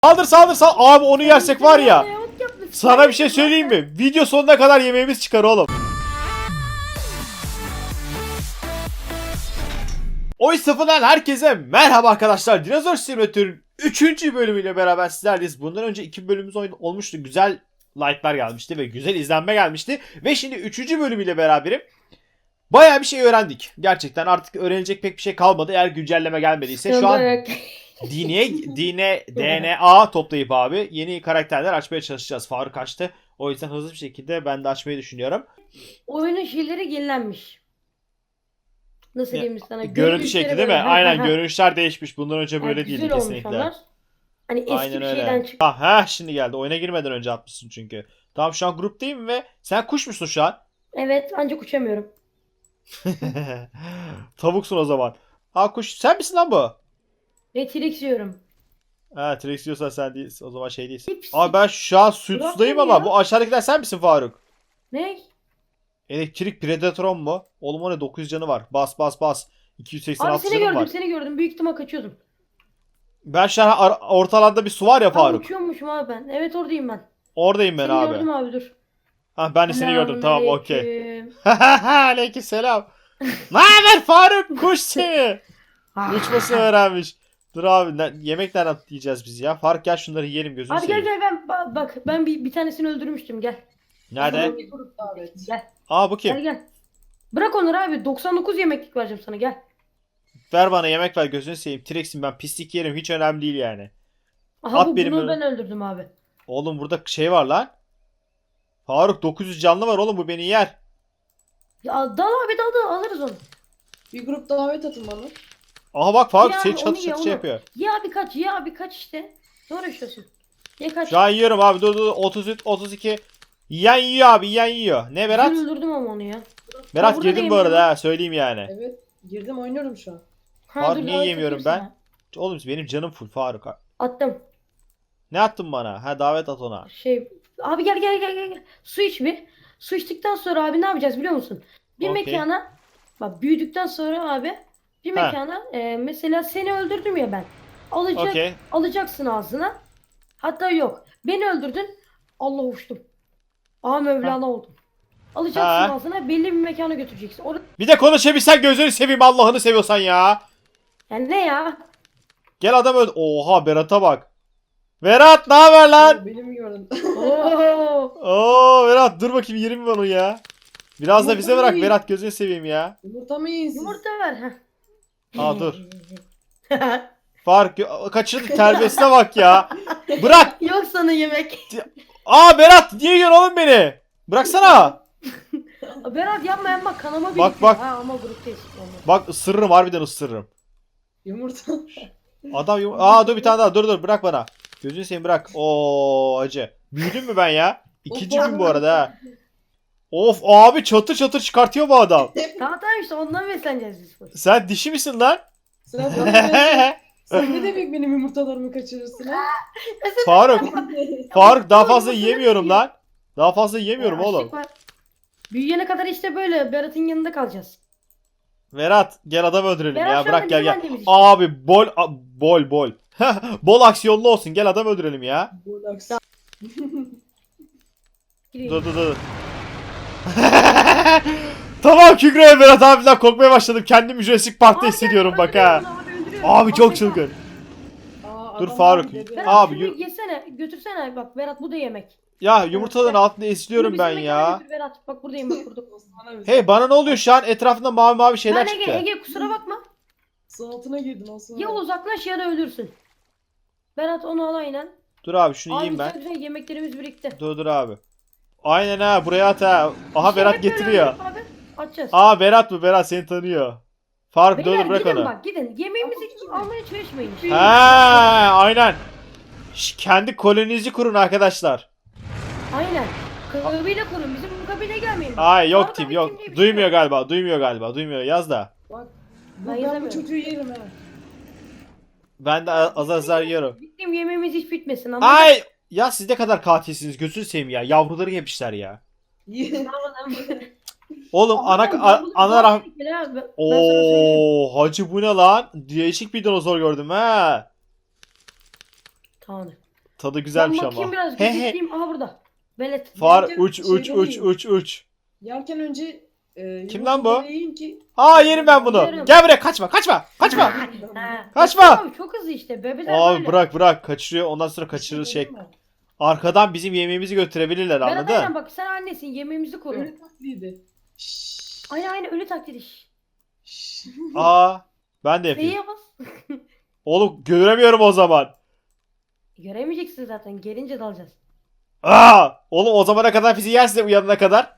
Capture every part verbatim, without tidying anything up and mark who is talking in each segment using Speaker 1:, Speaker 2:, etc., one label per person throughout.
Speaker 1: Saldır saldır saldır. Abi onu yersek var ya. Sana bir şey söyleyeyim mi? Video sonuna kadar yemeğimiz çıkar oğlum. Oy sıfırdan herkese merhaba arkadaşlar. Dinozor Simulator'ın üçüncü bölümüyle beraber sizlerleyiz. Bundan önce iki bölümümüz olmuştu. Güzel like'lar gelmişti ve güzel izlenme gelmişti. Ve şimdi üçüncü bölümüyle beraberim. Bayağı bir şey öğrendik. Gerçekten artık öğrenecek pek bir şey kalmadı. Eğer güncelleme gelmediyse şu an Dine, dine, D N A toplayıp abi yeni karakterler açmaya çalışacağız. Faruk açtı. O yüzden hızlı bir şekilde ben de açmayı düşünüyorum.
Speaker 2: Oyunun şeyleri yenilenmiş. Nasıl
Speaker 1: Ya,
Speaker 2: diyeyim sana?
Speaker 1: Görüntü şekli değil mi? Aynen görünüşler değişmiş. Bundan önce
Speaker 2: Yani
Speaker 1: böyle
Speaker 2: güzel
Speaker 1: değildi
Speaker 2: olmuş
Speaker 1: kesinlikle.
Speaker 2: onlar. Hani eski
Speaker 1: Aynen
Speaker 2: bir
Speaker 1: öyle.
Speaker 2: şeyden çık.
Speaker 1: Ah, heh, şimdi geldi. Oyuna girmeden önce atmışsın çünkü. Tamam şu an gruptayım ve sen kuş musun şu an?
Speaker 2: Evet, ancak uçamıyorum.
Speaker 1: Tavuksun o zaman. Ha kuş sen misin lan bu?
Speaker 2: Ve T-Rex yiyorum.
Speaker 1: Ha T-Rex diyorsan sen değilsin. O zaman şey değilsin.
Speaker 2: Hepsi-
Speaker 1: Abi ben şu an su,
Speaker 2: Bırak
Speaker 1: sudayım
Speaker 2: beni
Speaker 1: ama
Speaker 2: ya.
Speaker 1: bu aşağıdakiler sen misin Faruk?
Speaker 2: Ne?
Speaker 1: Elektrik Predatron mu? Oğlum o ne dokuz yüz canı var. Bas bas bas. iki yüz seksen
Speaker 2: Abi
Speaker 1: altı
Speaker 2: seni
Speaker 1: canım
Speaker 2: gördüm,
Speaker 1: var.
Speaker 2: seni gördüm. Büyük ihtimal kaçıyordum.
Speaker 1: Ben şu an ar- ortalarda bir su var ya
Speaker 2: Abi
Speaker 1: Faruk.
Speaker 2: uçuyormuşum abi ben. Evet, oradayım ben.
Speaker 1: Oradayım ben
Speaker 2: Seni
Speaker 1: abi.
Speaker 2: gördüm abi, dur.
Speaker 1: Ha ben de seni gördüm tamam okey.
Speaker 2: Selamünaleyküm.
Speaker 1: Aleykümselam. Ne haber Faruk? Kuş seni.
Speaker 2: Ah.
Speaker 1: Uçmasını öğrenmiş. Dur abi ne- yemek nereden yiyeceğiz biz ya? Faruk gel şunları yiyelim gözünü
Speaker 2: Abi gel
Speaker 1: seveyim.
Speaker 2: gel ben ba- bak ben bir, bir tanesini öldürmüştüm, gel.
Speaker 1: Nerede?
Speaker 2: Bir grup davet. Gel.
Speaker 1: Aa bu
Speaker 2: Gel
Speaker 1: kim?
Speaker 2: gel. Bırak onları abi. doksan dokuz yemeklik vereceğim sana, gel.
Speaker 1: Ver bana yemek ver gözünü seveyim. T-Rex'im ben pislik yerim hiç önemli değil yani.
Speaker 2: Aha
Speaker 1: At
Speaker 2: bu,
Speaker 1: benim
Speaker 2: bunu
Speaker 1: önüme.
Speaker 2: ben öldürdüm abi.
Speaker 1: Oğlum burada şey var lan. Faruk dokuz yüz canlı var oğlum bu beni yer.
Speaker 2: Ya dal abi, dal dal, alırız onu.
Speaker 3: Bir grup davet atın bana.
Speaker 1: Aha bak Faruk
Speaker 2: Ya
Speaker 1: seni
Speaker 2: abi,
Speaker 1: çatı
Speaker 2: onu ye,
Speaker 1: çatı şey
Speaker 2: onu.
Speaker 1: yapıyor.
Speaker 2: Ye abi kaç, ye abi kaç işte. Ne uğraşıyorsun? Ye kaç.
Speaker 1: Şu an yiyorum abi dur dur otuz üç otuz iki. Yiyen yiyor abi yiyen yiyor. Ne Berat?
Speaker 2: Ben öldürdüm ama onu ya.
Speaker 1: Berat
Speaker 2: burada
Speaker 1: girdim
Speaker 2: da
Speaker 1: bu arada
Speaker 2: yemiyorum.
Speaker 1: ha söyleyeyim yani.
Speaker 3: Evet. Girdim oynuyorum şu an.
Speaker 2: Ha,
Speaker 1: Faruk
Speaker 2: dur,
Speaker 1: niye
Speaker 2: davet
Speaker 1: yemiyorum
Speaker 2: atayım
Speaker 1: ben? Oğlum benim canım full Faruk.
Speaker 2: sana. Attım.
Speaker 1: Ne attın bana? Ha davet at ona.
Speaker 2: Şey abi gel gel gel gel. gel. Su iç bir. Su içtikten sonra abi ne yapacağız biliyor musun? Bir
Speaker 1: Okey.
Speaker 2: mekana bak, büyüdükten sonra abi bir
Speaker 1: Ha.
Speaker 2: mekana e, mesela seni öldürdüm ya ben. Alacak,
Speaker 1: Okey.
Speaker 2: alacaksın ağzına. Hatta yok. Beni öldürdün. Allah, uçtum. Aa, Mevlana oldum. Alacaksın
Speaker 1: Ha.
Speaker 2: ağzına, belli bir mekana götüreceksin. Orada
Speaker 1: Bir de konuşabilsen gözünü seveyim Allah'ını seviyorsan ya.
Speaker 2: yani ne ya?
Speaker 1: Gel adam öldü. Oha Berat'a bak. Berat ne haber lan?
Speaker 3: Beni mi gördün?
Speaker 2: Oo.
Speaker 1: Oo Berat dur bakayım yerim ben onu ya. Biraz da bize bırak
Speaker 3: Yumurtayı-
Speaker 1: Berat gözünü seveyim ya.
Speaker 3: Yumurta mı yiyin siz?
Speaker 2: Yumurta ver. Heh.
Speaker 1: Aa dur. Fark kaçırdı terbiyesine bak ya. Bırak.
Speaker 2: Yok sana yemek.
Speaker 1: Aa Berat niye yiyorsun oğlum beni? Bıraksana.
Speaker 2: Berat yapma yapma, kanama
Speaker 1: Bak,
Speaker 2: birikiyor.
Speaker 1: bak.
Speaker 2: Ha, ama gruptayız. Olmaz.
Speaker 1: Bak ısırırım harbiden ısırırım.
Speaker 3: Yumurta.
Speaker 1: Adam yum- Aa dur bir tane daha dur dur bırak bana. Gözünü seveyim bırak. Oo acı. Büyüdün mü ben ya? İkinci gün bu arada ha. Of abi çatır çatır çıkartıyor bu adam.
Speaker 2: Tamam tamam, işte ondan besleneceğiz biz.
Speaker 1: Sen dişi misin lan?
Speaker 3: Sıra bana. Sen ne demek benim yumurtalarımı kaçırırsın ha?
Speaker 1: Faruk. Faruk daha fazla yiyemiyorum lan. Daha fazla yiyemiyorum
Speaker 2: Ya,
Speaker 1: oğlum.
Speaker 2: açlık var. Büyüyene kadar işte böyle Berat'ın yanında kalacağız.
Speaker 1: Berat gel adam öldürelim
Speaker 2: Berat
Speaker 1: ya
Speaker 2: şu anda
Speaker 1: bırak gel
Speaker 2: bizim
Speaker 1: gel.
Speaker 2: annemiz işte.
Speaker 1: Abi bol a- bol bol. Bol aksiyonlu olsun gel adam öldürelim ya.
Speaker 3: Bolax.
Speaker 1: Dur dur dur. Tamam Kübra Berat abiden korkmaya başladım. Kendimi Jurassic Park'ta
Speaker 2: Abi,
Speaker 1: hissediyorum
Speaker 2: gel,
Speaker 1: bak ha.
Speaker 2: öldürüyorum, abi, öldürüyorum.
Speaker 1: Abi çok
Speaker 2: Abi,
Speaker 1: çılgın.
Speaker 3: Aa,
Speaker 1: Dur
Speaker 3: adam
Speaker 1: Faruk.
Speaker 3: abi dedi.
Speaker 2: Berat
Speaker 1: Abi,
Speaker 2: şunu
Speaker 1: yürü.
Speaker 2: yesene, götürsene, bak Berat, bu da yemek.
Speaker 1: Ya yumurtaların altında
Speaker 2: Bunu
Speaker 1: esliyorum
Speaker 2: bizim
Speaker 1: ben
Speaker 2: mekana
Speaker 1: ya.
Speaker 2: götür Berat, bak buradayım, bak burada.
Speaker 3: Osman'a bir-
Speaker 1: Hey bana ne oluyor şu an? Etrafında mavi mavi şeyler
Speaker 2: Lan Ege,
Speaker 1: çıktı.
Speaker 2: Ege kusura bakma.
Speaker 3: Su altına girdin Osman.
Speaker 2: Ya uzaklaş ya da ölürsün. Berat onu al aynen.
Speaker 1: Dur abi şunu
Speaker 2: Abi
Speaker 1: yiyeyim
Speaker 2: güzel
Speaker 1: ben.
Speaker 2: güzel yemeklerimiz birikti.
Speaker 1: Dur dur abi. Aynen ha buraya at ha. Aha
Speaker 2: İşte
Speaker 1: Berat
Speaker 2: hep böyle
Speaker 1: getiriyor.
Speaker 2: öldürüp Abi, atacağız.
Speaker 1: Aa Berat bu Berat seni tanıyor. Faruk dur
Speaker 2: Beyler
Speaker 1: dur bırak
Speaker 2: gidin
Speaker 1: onu.
Speaker 2: bak, gidin. Yemeğimizi almaya çalışmayın.
Speaker 1: Ha aynen. Şş, kendi koloninizi kurun arkadaşlar.
Speaker 2: Aynen. Kabile kurun. Bizim bu kabile gelmeyin.
Speaker 1: Ay yok
Speaker 2: Arada
Speaker 1: tim
Speaker 2: bir
Speaker 1: yok.
Speaker 2: tim diye bir şey
Speaker 1: Duymuyor
Speaker 2: yok.
Speaker 1: galiba. Duymuyor galiba. Duymuyor. Yaz da.
Speaker 3: Bak.
Speaker 2: Ben
Speaker 3: Bu, ben bu
Speaker 2: yazamıyorum.
Speaker 3: çocuğu yerim ha.
Speaker 1: Ben de azar azar yiyorum.
Speaker 2: Bizim yemeğimiz hiç bitmesin ama.
Speaker 1: Ay ya siz ne kadar katilsiniz gözünü seveyim ya. Yavruları yemişler ya.
Speaker 3: Ye.
Speaker 1: Oğlum ana a- ana rah...
Speaker 2: Oo.
Speaker 1: Oo hacı bu ne lan? Değişik bir dinozor gördüm ha.
Speaker 2: Tamam.
Speaker 1: Tadı güzelmiş
Speaker 2: ben
Speaker 1: ama.
Speaker 2: bakayım biraz
Speaker 1: He he.
Speaker 2: gözetleyeyim. Aha burada. Belet.
Speaker 1: Far
Speaker 3: Yerken
Speaker 1: uç uç
Speaker 3: şeyden
Speaker 1: uç
Speaker 3: yiyin.
Speaker 1: uç uç.
Speaker 3: Yerken önce e,
Speaker 1: Kim lan bu?
Speaker 3: yumurtaları yiyin ki.
Speaker 1: Aa yerim ben bunu.
Speaker 2: Yerim.
Speaker 1: Gel buraya kaçma kaçma kaçma.
Speaker 2: Ha,
Speaker 1: Kaçma!
Speaker 2: Abi çok hızlı işte. Bebeler
Speaker 1: Abi
Speaker 2: böyle.
Speaker 1: bırak bırak kaçırıyor ondan sonra kaçırır şey. Arkadan bizim yemeğimizi götürebilirler
Speaker 2: Berat aynen
Speaker 1: anladın?
Speaker 2: bak sen annesin. Yemeğimizi koru.
Speaker 3: Öyle tatlıydı. Şşş.
Speaker 2: Aynen aynen ölü taklidi.
Speaker 3: Şşş.
Speaker 1: Aa ben de yapayım.
Speaker 2: F'ye bas.
Speaker 1: Oğlum göremiyorum o zaman.
Speaker 2: Göremeyeceksin zaten. Gelince dalacağız.
Speaker 1: Aa oğlum o zamana kadar bizi yersin uyanana kadar.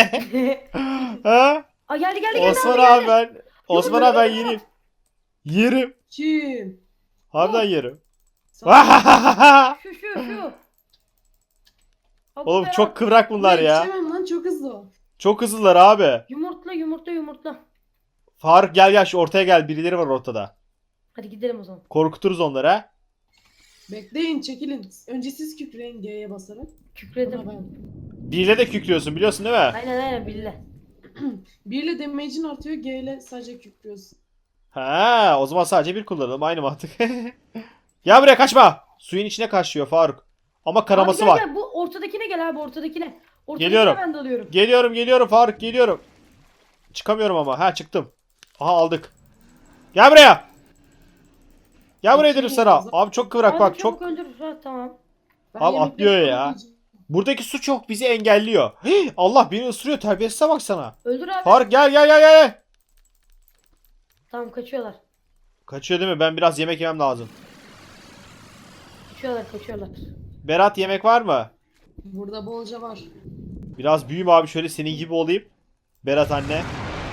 Speaker 1: Ha?
Speaker 2: Aa geldi geldi geldi.
Speaker 1: Osman
Speaker 2: abi,
Speaker 1: abi
Speaker 2: geldi.
Speaker 1: ben Osman abi ben yerim. Yerim.
Speaker 3: Kim?
Speaker 1: Harbiden yerim.
Speaker 3: Sen-
Speaker 2: Şu şu şu. Abi
Speaker 1: Oğlum
Speaker 2: Berat,
Speaker 1: çok kıvrak bunlar ya.
Speaker 3: Yetişemem lan çok hızlı o.
Speaker 1: Çok hızlılar abi.
Speaker 2: Yumurtla yumurtla yumurtla.
Speaker 1: Faruk gel gel şu ortaya gel birileri var ortada.
Speaker 2: Hadi gidelim o zaman.
Speaker 1: Korkuturuz onları ha.
Speaker 3: Bekleyin çekilin. Önce siz kükreyin G'ye basarak.
Speaker 2: Kükredim.
Speaker 3: Sonra ben.
Speaker 1: Biriyle de kükrüyorsun biliyorsun değil mi?
Speaker 2: Aynen aynen billah.
Speaker 3: Bir ile damage'in artıyor, G ile sadece kükrüyorsun.
Speaker 1: Ha, o zaman sadece bir kullanalım aynı mantık. Gel buraya kaçma. Suyun içine kaçıyor Faruk. Ama kanaması
Speaker 2: abi gel,
Speaker 1: var.
Speaker 2: Gel, bu ortadakine gel abi ortadakine. Ortadakine
Speaker 1: Geliyorum.
Speaker 2: ben dalıyorum.
Speaker 1: Geliyorum geliyorum Faruk geliyorum. Çıkamıyorum ama. Ha çıktım. Aha aldık. Gel buraya. Gel buraya dedim sana. Abi çok kıvrak
Speaker 2: Abi
Speaker 1: bak
Speaker 2: çabuk
Speaker 1: çok.
Speaker 2: öldür. Ha, tamam.
Speaker 3: Ben
Speaker 1: Abi
Speaker 3: yemekleri
Speaker 1: atlıyor ya.
Speaker 3: toplayacağım.
Speaker 1: Buradaki su çok bizi engelliyor. Hii, Allah beni ısırıyor terbiyesize bak sana.
Speaker 2: Öldür abi.
Speaker 1: Faruk gel gel gel gel.
Speaker 2: Tamam kaçıyorlar.
Speaker 1: Kaçıyor değil mi? Ben biraz yemek yemem lazım.
Speaker 2: Kaçıyorlar kaçıyorlar.
Speaker 1: Berat yemek var mı?
Speaker 3: Burada bolca var.
Speaker 1: Biraz büyüyüm abi şöyle senin gibi olayım. Berat anne.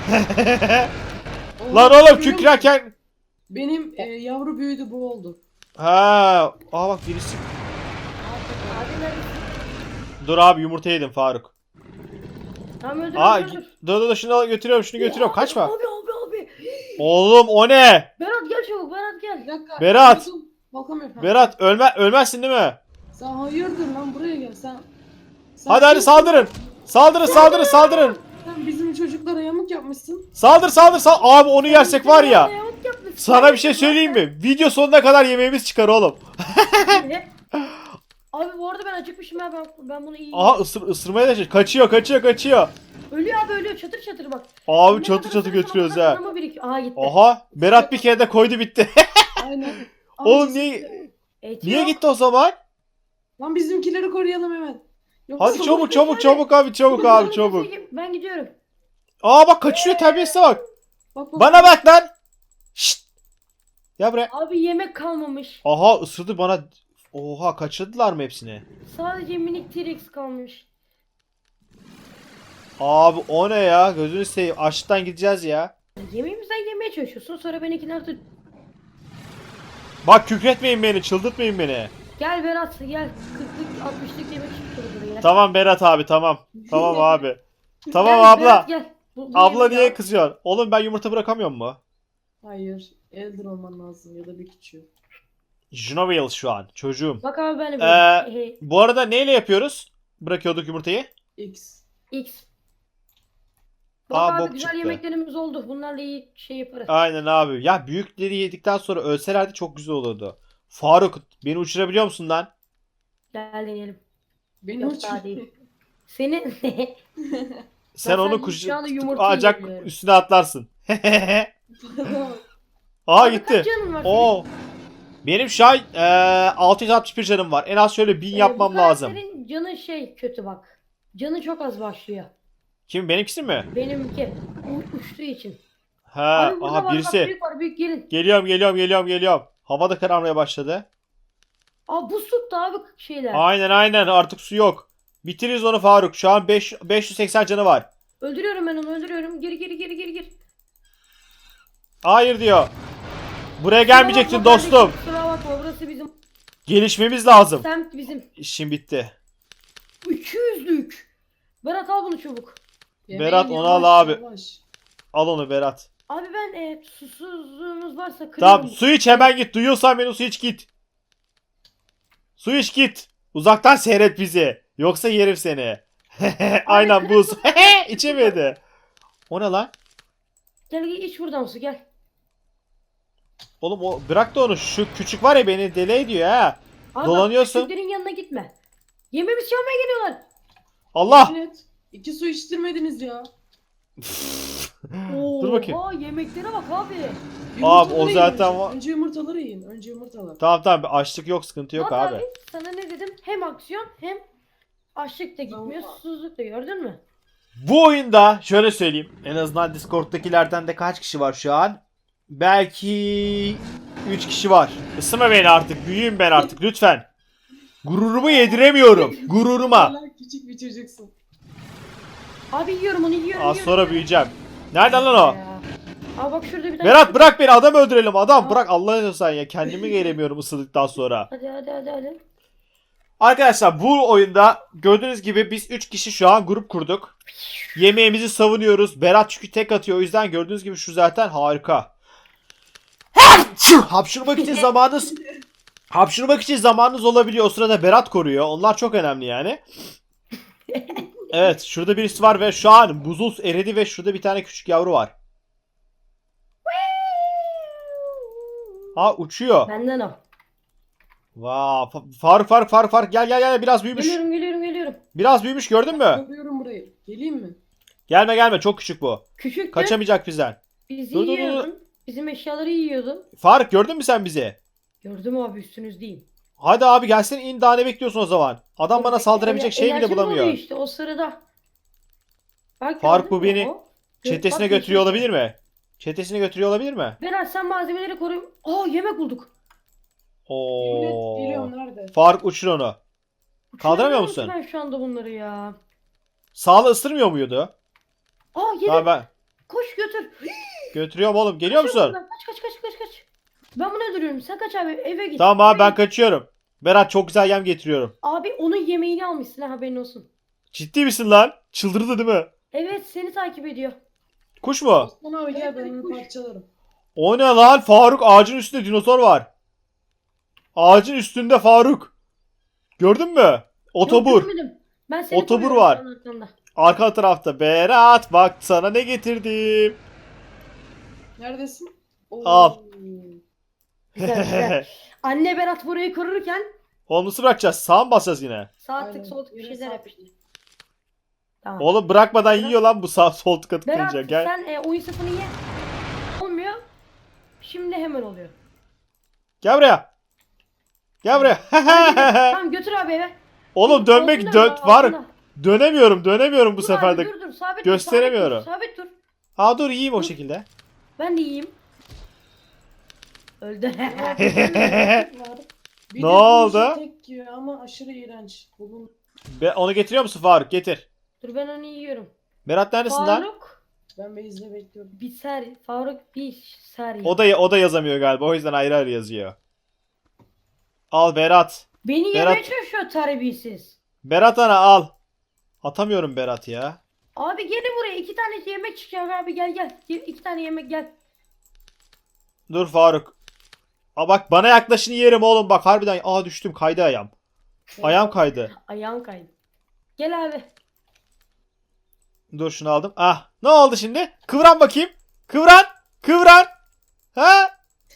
Speaker 3: Oo,
Speaker 1: Lan oğlum
Speaker 3: görüyor musun?
Speaker 1: kükrerken.
Speaker 3: Benim e, yavru büyüdü bu oldu.
Speaker 1: Ha, aa bak birisi.
Speaker 2: Abi neredesin?
Speaker 1: Dur abi yumurta yedim Faruk.
Speaker 2: Tamam öldür
Speaker 1: Aa
Speaker 2: öldür. öldür.
Speaker 1: dur dur dur, şunu al- götürüyorum şunu götürüyorum kaçma.
Speaker 2: Abi abi abi.
Speaker 1: Oğlum o ne?
Speaker 2: Berat gel çabuk Berat gel.
Speaker 3: Bir dakika.
Speaker 1: Berat!
Speaker 3: buldum. Bakamıyorum. Ha.
Speaker 1: Berat ölme ölmezsin değil mi?
Speaker 3: Sen hayırdır lan buraya gel sen. sen
Speaker 1: Hadi hadi
Speaker 3: kimsin?
Speaker 1: saldırın. Saldırın saldırın saldırın.
Speaker 3: Sen bizim çocuklara yamuk yapmışsın.
Speaker 1: Saldır saldır saldır. Abi onu yersek var ya.
Speaker 2: Yamuk yapmışsın.
Speaker 1: Sana bir şey söyleyeyim mi? Video sonuna kadar yemeğimiz çıkar oğlum.
Speaker 2: Abi bu arada ben acıkmışım ya ben, ben bunu iyi.
Speaker 1: Aha ısır, ısırmaya da şey- kaçıyor kaçıyor kaçıyor.
Speaker 2: Ölüyor abi ölüyor çatır çatır bak.
Speaker 1: Abi
Speaker 2: Ne
Speaker 1: çatı
Speaker 2: kadar
Speaker 1: çatı
Speaker 2: ısırırsam
Speaker 1: götürüyoruz
Speaker 2: o kadar
Speaker 1: ha.
Speaker 2: kanama birikiyor. Aha gitti.
Speaker 1: Aha Berat bir kere de koydu bitti.
Speaker 3: Aynen.
Speaker 1: Oğlum
Speaker 3: Amcası-
Speaker 1: niye
Speaker 2: Et
Speaker 1: niye
Speaker 2: yok.
Speaker 1: gitti o zaman?
Speaker 3: Lan bizimkileri koruyalım hemen. Yoksa
Speaker 1: Hadi çabuk çabuk
Speaker 2: hadi.
Speaker 1: çabuk abi çabuk abi
Speaker 2: Ben
Speaker 1: çabuk.
Speaker 2: Ben gidiyorum.
Speaker 1: Aa bak kaçıyor terbiyesize bak.
Speaker 3: Bak, bak.
Speaker 1: Bana bak lan. Şşt. Gel buraya.
Speaker 2: Abi yemek kalmamış.
Speaker 1: Aha ısırdı bana. Oha kaçırdılar mı hepsini?
Speaker 2: Sadece minik T-Rex kalmış.
Speaker 1: Abi o ne ya? Gözünü seveyim. Açlıktan gideceğiz ya.
Speaker 2: Yemeğimizden yemeye çalışıyorsun sonra ben ikinci
Speaker 1: Bak kükretmeyin beni, çıldırtmayın beni.
Speaker 2: Gel Berat gel. kırklık altmışlık yemek çıktı buraya.
Speaker 1: Tamam Berat abi tamam. Tamam abi. Tamam
Speaker 2: Gel
Speaker 1: abla.
Speaker 2: Berat, gel. Bu- bu
Speaker 1: Abla
Speaker 2: yemek
Speaker 1: niye
Speaker 2: al.
Speaker 1: kızıyorsun? Oğlum ben yumurta bırakamıyor mu?
Speaker 3: Hayır. Elder olman lazım ya da bir küçüğü.
Speaker 1: Junovale şu an çocuğum.
Speaker 2: Bak abi ben de
Speaker 1: Ee,
Speaker 2: böyle. Hey,
Speaker 1: Bu arada neyle yapıyoruz? Bırakıyorduk yumurtayı.
Speaker 3: X.
Speaker 2: X. Bak
Speaker 1: Aa,
Speaker 2: abi
Speaker 1: bok
Speaker 2: güzel
Speaker 1: çıktı.
Speaker 2: yemeklerimiz oldu. Bunlarla iyi şey yaparız.
Speaker 1: Aynen abi. Ya büyükleri yedikten sonra ölselerdi çok güzel olurdu. Faruk beni uçurabiliyor musun lan?
Speaker 2: Gel deneyelim.
Speaker 3: Beni
Speaker 2: Yok,
Speaker 3: uç.
Speaker 2: daha değil. Seni
Speaker 1: Sen
Speaker 2: Ben
Speaker 1: onu
Speaker 2: sen
Speaker 1: kuş
Speaker 2: şu anda yumurta
Speaker 1: ancak
Speaker 2: yiyorum.
Speaker 1: üstüne atlarsın. Aha
Speaker 2: Abi
Speaker 1: gitti.
Speaker 2: kaç canın var senin?
Speaker 1: Oo. Benim şu an eee, altı yüz altmış bir canım var. En az şöyle bin
Speaker 2: Ee,
Speaker 1: yapmam
Speaker 2: bu
Speaker 1: lazım.
Speaker 2: karakterin canı şey kötü bak. Canı çok az başlıyor.
Speaker 1: Kim benimkisi mi?
Speaker 2: Benimki u- uçtuğu için.
Speaker 1: Ha,
Speaker 2: Abi burada
Speaker 1: aha
Speaker 2: var, bak,
Speaker 1: birisi.
Speaker 2: büyük var büyük gelin.
Speaker 1: Geliyorum geliyorum geliyorum geliyorum. Hava da kararmaya başladı.
Speaker 2: Aa buz tuttu abi şeyler.
Speaker 1: Aynen aynen artık su yok. Bitiririz onu Faruk. Şu an beş, beş yüz seksen canı var.
Speaker 2: Öldürüyorum ben onu öldürüyorum. Geri geri geri geri gir.
Speaker 1: Hayır diyor. Buraya gelmeyecektin
Speaker 2: Kusura bakma
Speaker 1: dostum.
Speaker 2: kardeşim, Kusura bakma burası bizim.
Speaker 1: Gelişmemiz lazım.
Speaker 2: Semt bizim.
Speaker 1: İşim bitti.
Speaker 2: iki yüzlük. Berat al bunu çabuk.
Speaker 1: Berat,
Speaker 3: Yemeğin
Speaker 1: onu al
Speaker 3: yavaş,
Speaker 1: abi.
Speaker 3: yavaş.
Speaker 1: Al onu Berat.
Speaker 2: Abi ben e, susuzluğunuz varsa kırıyorum.
Speaker 1: Tamam su iç hemen git. Duyuyorsan beni su iç git. Su iç git. Uzaktan seyret bizi. Yoksa yerim seni. Aynen buz. İçemedi. O ne lan?
Speaker 2: Gel gel iç buradan su gel.
Speaker 1: Oğlum o bırak da onu. Şu küçük var ya beni deli ediyor ha.
Speaker 2: Abi
Speaker 1: Dolanıyorsun.
Speaker 2: Bak, küçüklerin yanına gitme. Yemeğimizi çalmaya geliyorlar.
Speaker 1: Allah.
Speaker 3: Evet. İki su içtirmediniz ya.
Speaker 1: Dur bakayım.
Speaker 2: Oha yemeklere bak abi.
Speaker 3: Yumurtaları
Speaker 1: o
Speaker 3: yiyin
Speaker 1: zaten
Speaker 3: önce.
Speaker 1: var.
Speaker 3: Önce yumurtaları yiyin. Önce yumurtalar.
Speaker 1: Tamam tamam açlık yok sıkıntı yok
Speaker 2: Bak
Speaker 1: abi.
Speaker 2: Sana ne dedim? Hem aksiyon hem açlık da gitmiyor,
Speaker 3: Tamam.
Speaker 2: susuzluk da gördün mü?
Speaker 1: Bu oyunda şöyle söyleyeyim. En azından Discord'dakilerden de kaç kişi var şu an? Belki üç kişi var. Isırma beni artık. Büyüyüm ben artık lütfen. Gururumu yediremiyorum. Gururuma.
Speaker 3: Hala küçük bir çocuksun.
Speaker 2: Abi yiyorum onu yiyorum.
Speaker 1: Az
Speaker 2: yiyorum,
Speaker 1: sonra
Speaker 2: yiyorum.
Speaker 1: büyüyeceğim. Nereden lan o?
Speaker 2: Ya. Abi bak şurada bir tane.
Speaker 1: Berat bırak beni adam öldürelim adam.
Speaker 2: Aa.
Speaker 1: Bırak Allah'ını sen ya. Kendimi gelemiyorum ısırdıktan sonra.
Speaker 2: Hadi hadi hadi hadi.
Speaker 1: Arkadaşlar bu oyunda gördüğünüz gibi biz üç kişi şu an grup kurduk. Yemeğimizi savunuyoruz. Berat çünkü tek atıyor. O yüzden gördüğünüz gibi şu zaten harika. Hapşırmak için zamanınız hapşırmak için zamanınız olabiliyor. O sırada Berat koruyor. Onlar çok önemli yani. Evet şurada birisi var ve şu an buzul eridi ve şurada bir tane küçük yavru var. Ha uçuyor.
Speaker 2: Benden o.
Speaker 1: Vaa Fa- Faruk Faruk Faruk Faruk gel gel gel biraz büyümüş.
Speaker 2: Geliyorum geliyorum geliyorum.
Speaker 1: Biraz büyümüş gördün mü?
Speaker 3: Yapıyorum burayı. Geleyim mi?
Speaker 1: Gelme gelme çok küçük bu.
Speaker 2: Küçüktü.
Speaker 1: Kaçamayacak bizden.
Speaker 2: Bizi
Speaker 1: Dur, dur, dur, dur.
Speaker 2: yiyordun. Bizim eşyaları yiyordu.
Speaker 1: Faruk gördün mü sen bizi?
Speaker 2: Gördüm abi üstünüzdeyim.
Speaker 1: Hadi abi gelsin in daha ne bekliyorsun o zaman? Adam bana
Speaker 2: Bekle,
Speaker 1: saldırabilecek
Speaker 2: ener-
Speaker 1: şey bile
Speaker 2: enerjim
Speaker 1: bulamıyor.
Speaker 2: doluyor işte o sırada. Bak,
Speaker 1: Faruk,
Speaker 2: gördün
Speaker 1: bu
Speaker 2: mü
Speaker 1: beni
Speaker 2: o?
Speaker 1: Çetesine
Speaker 2: Bak,
Speaker 1: götürüyor
Speaker 2: yeşil.
Speaker 1: olabilir mi? Çetesine götürüyor olabilir mi?
Speaker 2: Berat sen malzemeleri koru. Aa yemek bulduk.
Speaker 3: Yemin et
Speaker 1: Oo.
Speaker 3: geliyorum nerede?
Speaker 1: Faruk uçur onu. Kaldıramıyor
Speaker 2: Uçuramıyorum
Speaker 1: musun?
Speaker 2: ki Ben şu anda bunları ya.
Speaker 1: Sağlı ısırmıyor muydu?
Speaker 2: Aa yedim.
Speaker 1: Tamam ben
Speaker 2: Koş götür.
Speaker 1: götürüyorum oğlum. Geliyor
Speaker 2: Kaç
Speaker 1: musun?
Speaker 2: oradan, Kaç kaç kaç kaç kaç. Ben bunu öldürüyorum. Sen kaç abi eve git.
Speaker 1: Tamam abi
Speaker 2: Eve
Speaker 1: ben
Speaker 2: git.
Speaker 1: kaçıyorum. Berat çok güzel yem getiriyorum.
Speaker 2: Abi onun yemeğini almışsın ha haberin olsun.
Speaker 1: Ciddi misin lan? Çıldırdı değil mi?
Speaker 2: Evet seni takip ediyor.
Speaker 1: Kuş mu?
Speaker 3: Osman abi gel
Speaker 2: Evet,
Speaker 3: ben
Speaker 2: evet,
Speaker 3: onu
Speaker 2: kuş.
Speaker 3: parçalarım.
Speaker 1: O ne lan? Faruk ağacın üstünde dinozor var. Ağacın üstünde Faruk. Gördün mü? Otobur.
Speaker 2: Yok, görmedim. Ben seni
Speaker 1: Otobur
Speaker 2: koruyorum
Speaker 1: var.
Speaker 2: şu an arkamda.
Speaker 1: Arka tarafta. Berat bak sana ne getirdim.
Speaker 3: Neredesin? Oo.
Speaker 1: Al.
Speaker 2: Güzel güzel. Anne Berat burayı korurken
Speaker 1: Oğlum nasıl bırakacağız? Sağa mı basacağız yine?
Speaker 2: sağ
Speaker 3: Aynen,
Speaker 2: tık sol tık bir
Speaker 3: yine
Speaker 2: şeyler
Speaker 3: sağ
Speaker 2: yapıştır. Tamam.
Speaker 1: Oğlum bırakmadan
Speaker 2: Berat-
Speaker 1: yiyor lan bu sağ sol tıka
Speaker 2: Berat
Speaker 1: tıklayınca. Gel.
Speaker 2: sen e, oyun safını ye. Olmuyor. Şimdi hemen oluyor.
Speaker 1: Gel buraya. Gel buraya.
Speaker 2: Tamam götür abi eve.
Speaker 1: Oğlum dönmek
Speaker 2: Altında,
Speaker 1: dön var.
Speaker 2: altında.
Speaker 1: Dönemiyorum. Dönemiyorum bu
Speaker 2: Dur
Speaker 1: sefer
Speaker 2: abi,
Speaker 1: de.
Speaker 2: dur dur sabit
Speaker 1: gösteremiyorum.
Speaker 2: Dur, sabit dur. Sabit dur.
Speaker 1: Ha dur yiyeyim o
Speaker 2: Dur.
Speaker 1: şekilde.
Speaker 2: Ben de yiyeyim. Öldü.
Speaker 3: Bir
Speaker 1: Ne
Speaker 3: de
Speaker 1: oldu?
Speaker 3: bu işi Tek yiyor ama aşırı iğrenç. Bunun
Speaker 1: Be, onu getiriyor musun Faruk? Getir.
Speaker 2: Dur ben onu yiyorum.
Speaker 1: Berat neredesin lan?
Speaker 2: Faruk
Speaker 3: ben Beyz'le bekliyorum.
Speaker 2: bir ser. Faruk bir ser.
Speaker 1: O da o da yazamıyor galiba. O yüzden ayrı ayrı yazıyor. Al Berat.
Speaker 2: Beni
Speaker 1: Berat-
Speaker 2: yemeye çalışıyor terbiyesiz.
Speaker 1: Berat ana al. Atamıyorum Berat ya.
Speaker 2: Abi gelin buraya iki tane yemek çıkıyor abi gel gel. Ge- İki tane yemek gel.
Speaker 1: Dur Faruk. Aa bak bana yaklaşın yerim oğlum bak harbiden. Aa düştüm kaydı ayağım. Ayağım kaydı.
Speaker 2: Ayağım kaydı. Gel abi.
Speaker 1: Dur şunu aldım. Ah ne oldu şimdi? Kıvran bakayım. Kıvran. Kıvran. Ha?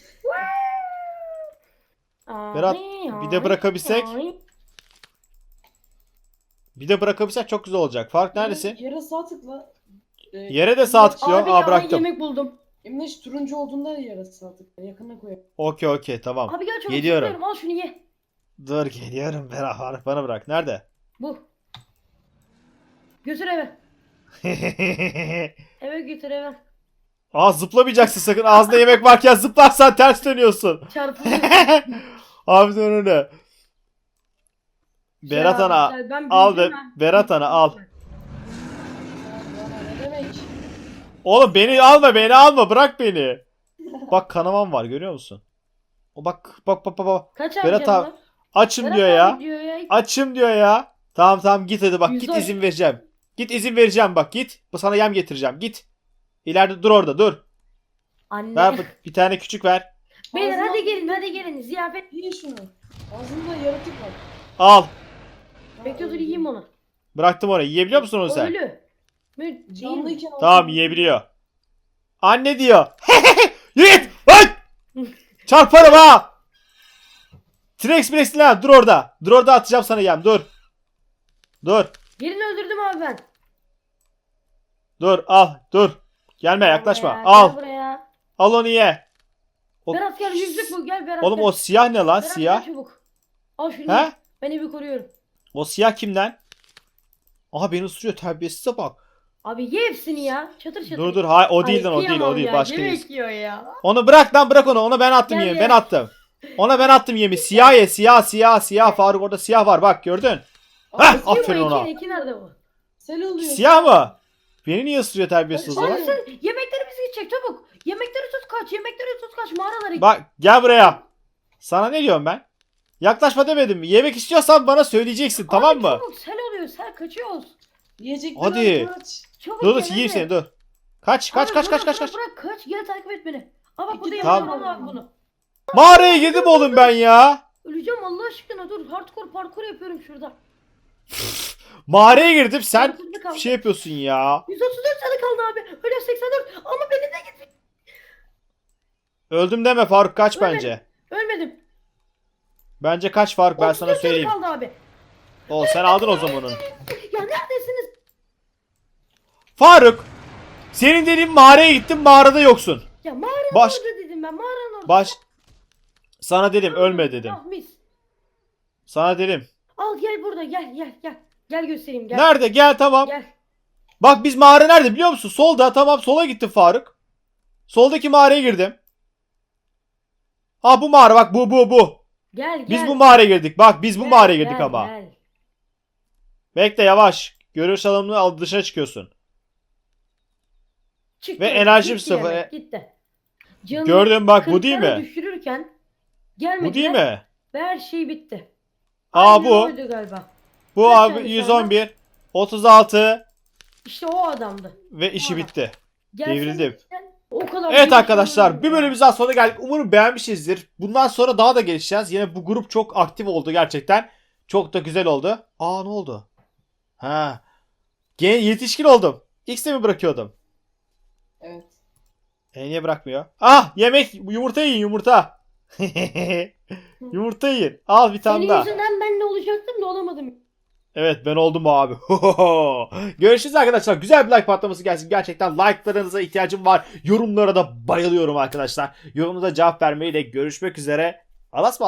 Speaker 1: Berat,
Speaker 2: Ay,
Speaker 1: bir de
Speaker 2: ay,
Speaker 1: bırakabilsek.
Speaker 2: ay.
Speaker 1: Bir de bırakabilsek çok güzel olacak. Faruk neredesin?
Speaker 3: Yere sağ tıkla. Ee,
Speaker 1: Yere de sağ tıklıyor.
Speaker 2: Abi
Speaker 1: Aa
Speaker 2: ya
Speaker 1: bıraktım.
Speaker 2: yemek buldum.
Speaker 3: Emreş turuncu olduğunda yere sağ tıkla. Yakına koy.
Speaker 1: Okey okey tamam.
Speaker 2: Abi gel çabuk
Speaker 1: Geliyorum.
Speaker 2: tutuyorum, al şunu ye.
Speaker 1: Dur geliyorum Berat. Faruk bana bırak. Nerede?
Speaker 2: Bu. Götür eve. Eve götür eve.
Speaker 1: Aa zıplamayacaksın sakın. Ağzında yemek varken zıplarsan ters dönüyorsun.
Speaker 2: Çarpılıyor.
Speaker 1: Abi dön öyle. Berat
Speaker 2: Ya,
Speaker 1: ana.
Speaker 2: güzel, ben
Speaker 1: Al be,
Speaker 2: büyüdüm ben.
Speaker 1: Berat ana al.
Speaker 3: Ya bana ne demek?
Speaker 1: Oğlum beni alma beni alma bırak beni. Bak kanamam var görüyor musun? O bak bak bak bak. bak.
Speaker 2: Kaç abi
Speaker 1: Berat
Speaker 2: canım
Speaker 1: abi,
Speaker 2: var?
Speaker 1: Açım
Speaker 2: Berat
Speaker 1: diyor
Speaker 2: abi
Speaker 1: ya.
Speaker 2: diyor ya.
Speaker 1: Açım diyor ya. Tamam tamam git hadi bak git
Speaker 2: Yüzde-
Speaker 1: izin vereceğim. Git izin vereceğim bak git. Bu sana yem getireceğim git. İleride dur orada dur.
Speaker 2: Anne.
Speaker 1: Ver bir tane küçük ver.
Speaker 2: Beyler
Speaker 3: Ağzına-
Speaker 2: hadi gelin hadi gelin ziyafet.
Speaker 3: Yiyin şunu. Ağzında yaratık var.
Speaker 1: Al.
Speaker 2: Bekle dur yiyeyim onu.
Speaker 1: Bıraktım orayı. Yiyebiliyor musun onu sen?
Speaker 2: Ölü. Mü değil mi?
Speaker 3: Canlıyken
Speaker 1: Tamam yiyebiliyor. Anne diyor. Yürü git. Ay! Çarparım ha. T-Rex Brex'in lan dur orada. Dur orada atacağım sana yem dur. Dur.
Speaker 2: Birini öldürdüm abi ben.
Speaker 1: Dur al dur. Gelme yaklaşma.
Speaker 2: Buraya,
Speaker 1: Al.
Speaker 2: Gel buraya.
Speaker 1: Al onu ye. O-
Speaker 2: Berat gel yüzlük bu gel Berat
Speaker 1: Oğlum
Speaker 2: gel.
Speaker 1: o siyah ne lan
Speaker 2: Berat,
Speaker 1: siyah?
Speaker 2: gel çabuk. Al şunu.
Speaker 1: He?
Speaker 2: ye. Ben evi koruyorum.
Speaker 1: O siyah kimden? Aha beni ısırıyor terbiyesize bak.
Speaker 2: Abi ye hepsini ya. Çatır çatır.
Speaker 1: Dur dur hay o
Speaker 2: Ay,
Speaker 1: değil lan o değil o
Speaker 2: kıyamam
Speaker 1: değil
Speaker 2: ya,
Speaker 1: başka
Speaker 2: yemek
Speaker 1: birisi.
Speaker 2: yiyor ya.
Speaker 1: Onu bırak lan bırak onu. Ona ben attım
Speaker 2: Gel
Speaker 1: yemi.
Speaker 2: ye.
Speaker 1: Ben attım. Ona ben attım yemi. Siyah ye siyah siyah siyah. Faruk orada siyah var bak gördün. Heh
Speaker 2: Kim
Speaker 1: aferin
Speaker 2: o? İki,
Speaker 1: ona.
Speaker 2: iki nerede bu?
Speaker 3: Sen oluyor.
Speaker 1: Siyah mı? Beni niye ısırıyor terbiyesiz o
Speaker 3: Hayır.
Speaker 1: zaman?
Speaker 2: Abi sen yemeklerimizi gidecek çabuk. Yemekleri tut kaç. Yemekleri tut kaç. Mağaralara git.
Speaker 1: Bak gel buraya. Sana ne diyorum ben? Yaklaşma demedim mi? Yemek istiyorsan bana söyleyeceksin tamam
Speaker 2: Abi
Speaker 1: mı?
Speaker 2: Çabuk sel oluyor. Sel kaçıyoruz.
Speaker 3: Yiyecekler
Speaker 1: Hadi.
Speaker 3: al, kaç.
Speaker 2: Çabuk
Speaker 1: Dur dur
Speaker 2: gel,
Speaker 1: yiyeyim
Speaker 2: hadi.
Speaker 1: seni dur. Kaç kaç
Speaker 2: Abi
Speaker 1: kaç
Speaker 2: bırak,
Speaker 1: kaç kaç
Speaker 2: bırak,
Speaker 1: kaç.
Speaker 2: Bırak kaç. Gel takip et beni. Aa bak burada
Speaker 3: Tamam.
Speaker 2: yemek var bunu.
Speaker 1: Mağaraya girdim oğlum ben ya.
Speaker 2: Öleceğim Allah aşkına dur. Hardcore parkur yapıyorum şurada.
Speaker 1: Mağaraya girdim sen
Speaker 2: Hırsızlık kaldı.
Speaker 1: şey yapıyorsun ya.
Speaker 2: yüz otuz dört canı kaldı abi. Öyle seksen dört ama beni de git.
Speaker 1: Öldüm deme Faruk kaç
Speaker 2: Ölmedim.
Speaker 1: bence.
Speaker 2: Ölmedim.
Speaker 1: Bence kaç Faruk ben
Speaker 2: otuz
Speaker 1: sana
Speaker 2: dört canı
Speaker 1: söyleyeyim.
Speaker 2: kaldı abi.
Speaker 1: O sen aldın o zaman onu.
Speaker 2: Ya neredesiniz?
Speaker 1: Faruk senin dediğin mağaraya gittim mağarada yoksun.
Speaker 2: Ya mağaranın
Speaker 1: Baş
Speaker 2: orada dedim ben. Mağaranın orada.
Speaker 1: baş sana dedim ölme dedim.
Speaker 2: Ah mis.
Speaker 1: Sana dedim.
Speaker 2: Al gel burada gel gel gel. Gel göstereyim gel.
Speaker 1: Nerede gel tamam.
Speaker 2: Gel.
Speaker 1: Bak biz mağara nerede biliyor musun? Solda tamam sola gittim Faruk. Soldaki mağaraya girdim. Ha bu mağara bak bu bu bu.
Speaker 2: Gel gel.
Speaker 1: Biz bu mağaraya girdik. Bak biz bu
Speaker 2: Gel,
Speaker 1: mağaraya girdik
Speaker 2: gel,
Speaker 1: ama.
Speaker 2: Gel.
Speaker 1: Bekle yavaş. Görüş alanını al dışına çıkıyorsun.
Speaker 2: Çıktı.
Speaker 1: Ve enerjim
Speaker 2: Gitti
Speaker 1: sıfır.
Speaker 2: yemek, Gitti. Canım
Speaker 1: Gördün bak bu değil
Speaker 2: kırklara
Speaker 1: mi?
Speaker 2: düşürürken gelmediler.
Speaker 1: Bu değil mi?
Speaker 2: Ve her şey bitti.
Speaker 1: Aa
Speaker 2: Aynen
Speaker 1: bu.
Speaker 2: oydu galiba.
Speaker 1: Bu
Speaker 2: Kaç
Speaker 1: abi
Speaker 2: tane
Speaker 1: yüz
Speaker 2: şu
Speaker 1: on bir, otuz altı
Speaker 2: İşte o adamdı.
Speaker 1: ve işi
Speaker 2: Aa.
Speaker 1: bitti.
Speaker 2: Gelsen
Speaker 1: Devrildim.
Speaker 2: sen- O kadar
Speaker 1: Evet
Speaker 2: bir
Speaker 1: arkadaşlar
Speaker 2: şey
Speaker 1: bir
Speaker 2: olmadı.
Speaker 1: bölümümüzden sonra geldik. Umarım beğenmişizdir. Bundan sonra daha da gelişeceğiz. Yine bu grup çok aktif oldu gerçekten. Çok da güzel oldu. Aa ne oldu? Ha. Gen yetişkin oldum. X'te mi bırakıyordum?
Speaker 3: Evet.
Speaker 1: E niye bırakmıyor? Ah yemek yumurta yiyin yumurta. Yumurta yiyin. Al bir tane
Speaker 2: Senin
Speaker 1: daha.
Speaker 2: yüzünden ben de olacaktım da olamadım.
Speaker 1: Evet ben oldum abi. Görüşürüz arkadaşlar. Güzel bir like patlaması gelsin. Gerçekten like'larınıza ihtiyacım var. Yorumlara da bayılıyorum arkadaşlar. Yorumunuza cevap vermeyi de görüşmek üzere. Alas mı?